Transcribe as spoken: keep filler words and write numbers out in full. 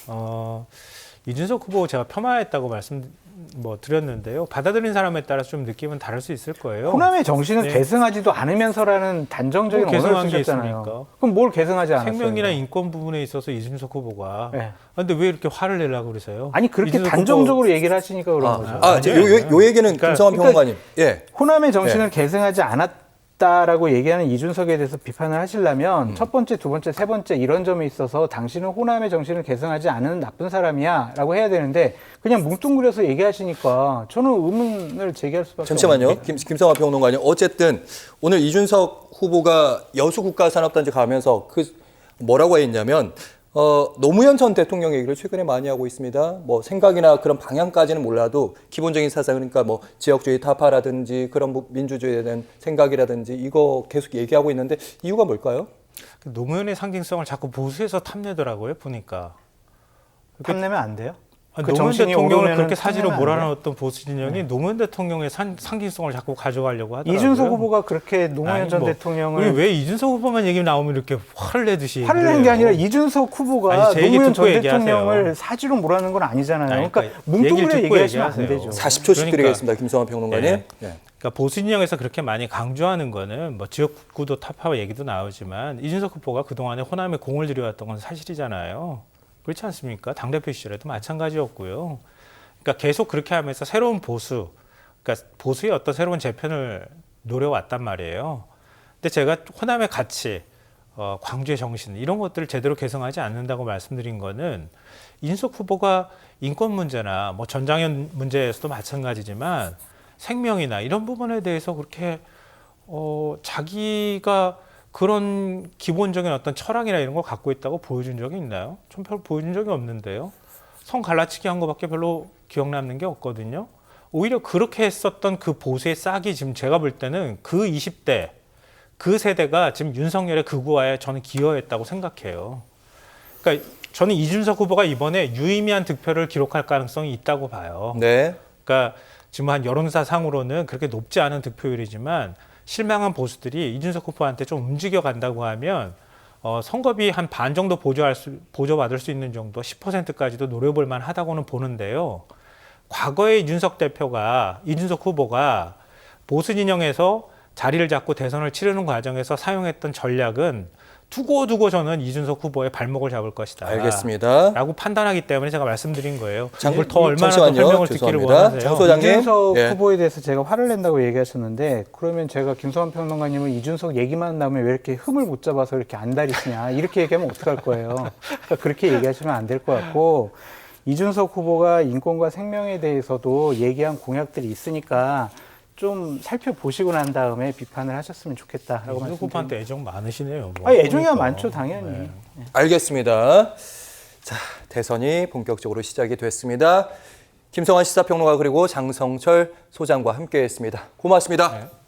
어, 이준석 후보 제가 폄하했다고 말씀 뭐 드렸는데요. 받아들인 사람에 따라 좀 느낌은 다를 수 있을 거예요. 호남의 정신은 네. 계승하지도 않으면서라는 단정적인 뭐 언어를 계승한 게 쓰셨잖아요. 있습니까? 그럼 뭘 계승하지 않았어요? 생명이나 인권 부분에 있어서 이준석 후보가. 네. 근데 왜 이렇게 화를 내려고 그러세요? 아니 그렇게 이준석 단정적으로 후보... 얘기를 하시니까 그런 아, 거죠. 아, 요, 요, 요 얘기는 그러니까, 김성환 평론가님. 예. 호남의 정신을 네. 계승하지 않았다라고 얘기하는 이준석에 대해서 비판을 하시려면 음. 첫 번째, 두 번째, 세 번째 이런 점에 있어서 당신은 호남의 정신을 계승하지 않은 나쁜 사람이야 라고 해야 되는데 그냥 뭉뚱그려서 얘기하시니까 저는 의문을 제기할 수밖에 잠시만요. 없는데. 김, 김성환 평론가님. 어쨌든 오늘 이준석 후보가 여수국가산업단지 가면서 그 뭐라고 했냐면 어, 노무현 전 대통령 얘기를 최근에 많이 하고 있습니다. 뭐 생각이나 그런 방향까지는 몰라도 기본적인 사상 그러니까 뭐 지역주의 타파라든지 그런 뭐 민주주의에 대한 생각이라든지 이거 계속 얘기하고 있는데 이유가 뭘까요? 노무현의 상징성을 자꾸 보수해서 탐내더라고요. 보니까. 탐내면 안 돼요? 아니, 그 노무현 정신이 대통령을 오르면은 그렇게 사지로 탐내면 안 돼요? 몰아넣었던 보수 진영이 네. 노무현 대통령의 산, 상징성을 자꾸 가져가려고 하더라고요. 이준석 후보가 그렇게 노무현 아니, 전 뭐, 대통령을 우리 왜 이준석 후보만 얘기 나오면 이렇게 화를 내듯이 화를 내는 게 아니라 이준석 후보가 아니, 제 얘기 노무현 전 듣고 대통령을 얘기하세요. 사지로 몰아넣은 건 아니잖아요. 아니, 그러니까 그러니까 뭉뚱그려 얘기를 듣고 얘기하시면 안 얘기하세요. 되죠. 사십 초씩 그러니까. 드리겠습니다. 김성환 평론가님. 네. 예. 그러니까 보수 진영에서 그렇게 많이 강조하는 거는 뭐 지역구도 타파 얘기도 나오지만 이준석 후보가 그동안에 호남에 공을 들여왔던 건 사실이잖아요. 그렇지 않습니까? 당대표 시절에도 마찬가지였고요. 그러니까 계속 그렇게 하면서 새로운 보수, 그러니까 보수의 어떤 새로운 재편을 노려왔단 말이에요. 근데 제가 호남의 가치, 어, 광주의 정신 이런 것들을 제대로 개성하지 않는다고 말씀드린 거는 이준석 후보가 인권 문제나 뭐 전장현 문제에서도 마찬가지지만 생명이나 이런 부분에 대해서 그렇게 어, 자기가 그런 기본적인 어떤 철학이나 이런 걸 갖고 있다고 보여준 적이 있나요? 전 별로 보여준 적이 없는데요. 성 갈라치기 한 거밖에 별로 기억 남는 게 없거든요. 오히려 그렇게 했었던 그 보수의 싹이 지금 제가 볼 때는 그 이십 대, 그 세대가 지금 윤석열의 극우화에 저는 기여했다고 생각해요. 그러니까 저는 이준석 후보가 이번에 유의미한 득표를 기록할 가능성이 있다고 봐요. 네. 그러니까 지금 한 여론사 상으로는 그렇게 높지 않은 득표율이지만 실망한 보수들이 이준석 후보한테 좀 움직여 간다고 하면 어, 선거비 한 반 정도 보조할 수, 보조받을 수 있는 정도 십 퍼센트까지도 노려볼 만하다고는 보는데요. 과거에 이준석 대표가, 이준석 후보가 보수 진영에서 자리를 잡고 대선을 치르는 과정에서 사용했던 전략은 두고두고 저는 이준석 후보의 발목을 잡을 것이다. 알겠습니다. 라고 판단하기 때문에 제가 말씀드린 거예요. 장- 이걸 더 얼마나 잠시만요. 더 설명을 듣기를 죄송합니다. 원하세요. 장 소장님. 이준석 예. 후보에 대해서 제가 화를 낸다고 얘기하셨는데 그러면 제가 김성환 평론가님은 이준석 얘기만 나오면 왜 이렇게 흠을 못 잡아서 이렇게 안달이시냐 이렇게 얘기하면 어떡할 거예요. 그러니까 그렇게 얘기하시면 안 될 것 같고 이준석 후보가 인권과 생명에 대해서도 얘기한 공약들이 있으니까 좀 살펴보시고 난 다음에 비판을 하셨으면 좋겠다라고 이준석 말씀드립니다. 후보한테 애정 많으시네요. 뭐. 아, 애정이야 그러니까. 많죠, 당연히. 네. 알겠습니다. 자, 대선이 본격적으로 시작이 됐습니다. 김성환 시사평론가 그리고 장성철 소장과 함께했습니다. 고맙습니다. 네.